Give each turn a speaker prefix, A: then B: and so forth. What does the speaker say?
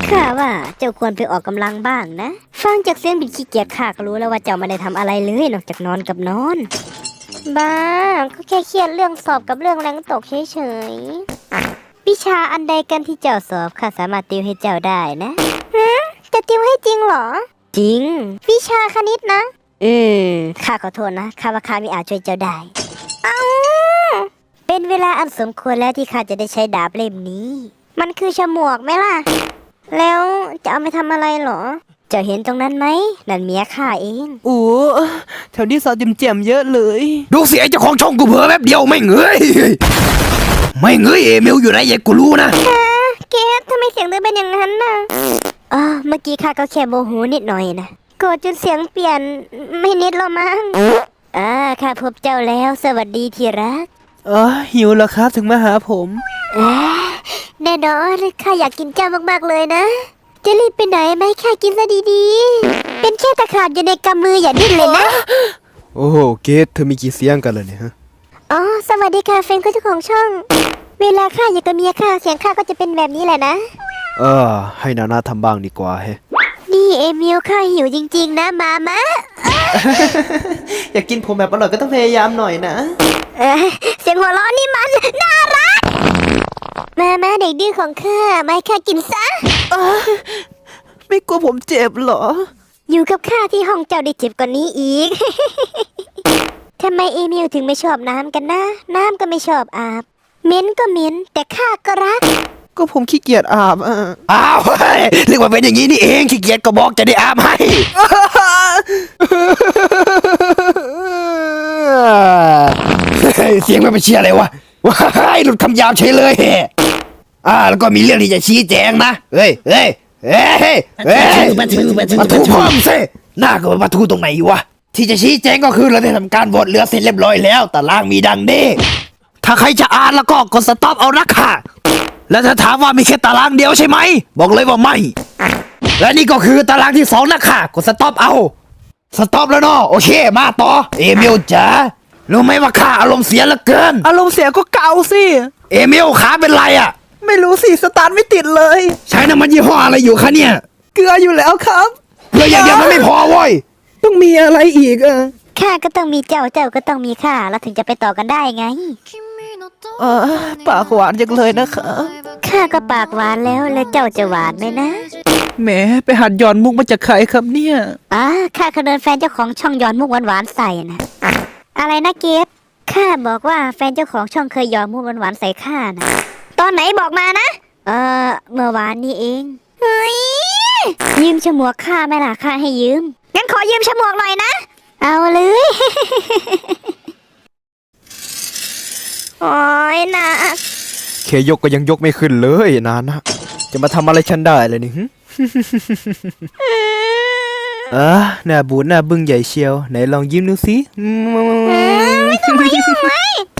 A: ข้าว่าเจ้าควรไปออกกำลังบ้างนะฟังจากเสียงบิดขี้เกียจข้าก็รู้แล้วว่าเจ้าไม่ได้ทำอะไรเลยนอกจากนอนกับนอนบ้าก็แค่เครียดเรื่องสอบกับเรื่องแรงตกเฉยๆวิชาอันใดกันที่เจ้าสอบข้าสามารถติวให้เจ้าได้นะจะติวให้จริงเหรอจริงวิชาคณิตนะข้าขอโทษนะข้าว่าข้าไม่อาจช่วยเจ้าได้เป็นเวลาอันสมควรแล้วที่ข้าจะได้ใช้ดาบเล่มนี้มันคือฉมวกไหมล่ะแล้วจะเอาไปทำอะไรเหรอเจ้าเห็นตรงนั้นไหมนั่นเมียข้าเอง
B: โอ้แถวนี้สาวเจียมเยอะเลย
C: ดูเสียเจ้าของช่องกูเผลอแป๊บเดียวไม่เงยเอมิลอยู่ไหนกูรู้นะ
A: เกดทำไมเสียงเธอเป็นอย่างนั้นน่ะเมื่อกี้ข้าก็แค่โมโหนิดหน่อยนะโกรธจนเสียงเปลี่ยนไม่นิดหรอมั้งข้าพบเจ้าแล้วสวัสดีที่รัก
B: หิวแล้วครับถึงมาหาผม
A: แน่นอนข้าอยากกินเจ้ามากๆเลยนะจะรีบไปไหนไหมข้ากินซะดีๆเป็นแค่ตะขาบอยู่ในกำมืออย่าดิ้นเลยนะ
D: โอ้โหเกดเธอมีกี่เสียงกันเลยเนี่ยฮะ
A: สวัสดีค่ะเฟนก็เจ้าของช่องเวลาข้าอยู่กับเมียข้าเสียงข้าก็จะเป็นแบบนี้แหละนะ
D: ให้นานาทำบ้างดีกว่าเฮ้
A: นี่เอมิลข้าหิวจริงๆนะมามะ
B: อยากกินผมแบบอร่อยก็ต้องพยายามหน่อยนะ
A: เสียงหัวเราะนี่มันน่ารักมาเด็กดื้อของข้ามาให้ข้ากินซะ
B: ไม่กลัวผมเจ็บเหรอ
A: อยู่กับข้าที่ห้องเจ้าได้เจ็บกว่านี้อีก ทำไมเอมิลถึงไม่ชอบน้ำกันนะน้ำก็ไม่ชอบอาบเหม็นก็เหม็นแต่ข้าก็รัก
B: ก็ผมขี้เกียจอาบ
C: อ้าวเรียกว่าเป็นอย่างนี้นี่เองขี้เกียจก็บอกจะได้อาบให้เสียงไม่เป็นเชียอะไรวะว้ายหลุดคำยาวเฉยเลยแล้วก็มีเรื่องที่จะชี้แจงนะเฮ้ยมาทูความสิหน้าก็มาทูตรงไหนวะที่จะชี้แจงก็คือเราได้ทำการโหวตเรือเสร็จเรียบร้อยแล้วตารางมีดังนี้ถ้าใครจะอ่านแล้วก็กดสต็อปเอานะค่ะแล้วถ้าถามว่ามีแค่ตารางเดียวใช่ไหมบอกเลยว่าไม่และนี่ก็คือตารางที่2นะค่ะกดสต็อปเอาสต็อปแล้วเนาะโอเคมาต่อเอมิลจ๋ารู้ไหมว่าข้าอารมณ์เสียเหลือเกิน
B: อารมณ์เสียก็เกาสิ
C: เอมิลขาเป็นไร
B: ไม่รู้สิสตาร์ทไม่ติดเลย
C: ใช้น้ำมันยี่ห้ออะไรอยู่คะเนี่ย
B: เกลืออยู่แล้วครับ
C: เกลืออย่างเดียวมันไม่พอเว้ย
B: ต้องมีอะไรอีก
A: ข้าก็ต้องมีเจ้าก็ต้องมีข้าแล้วถึงจะไปต่อกันได้ไง
B: ปากหวานจังเลยนะคะ
A: ข้าก็ปากหวานแล้วเจ้าจะหวานไหมนะ
B: แหมไปหัดย้อนมุกมาจากใครครับเนี่ย
A: ข้าเคยโดนแฟนเจ้าของช่องย้อนมุกหวานๆใส่นะอะไรนะเกฟข้าบอกว่าแฟนเจ้าของช่องเคยย้อนมุกหวานๆใส่ข้านะตอนไหนบอกมานะเมื่อวานนี้เองเฮ้ยยืมฉมวกข้าไหมล่ะข้าให้ยืมงั้นขอยืมฉมวกหน่อยนะเอาเลยโอ้ยนะ
D: เคยกก็ยังยกไม่ขึ้นเลยนานะจะมาทำอะไรฉันได้เลยนี่หน้าบูดหน้าบึ้งใหญ่เชียวไหนลองยิ้มดูสิ
A: ไม่ต้องมายุ่งเลย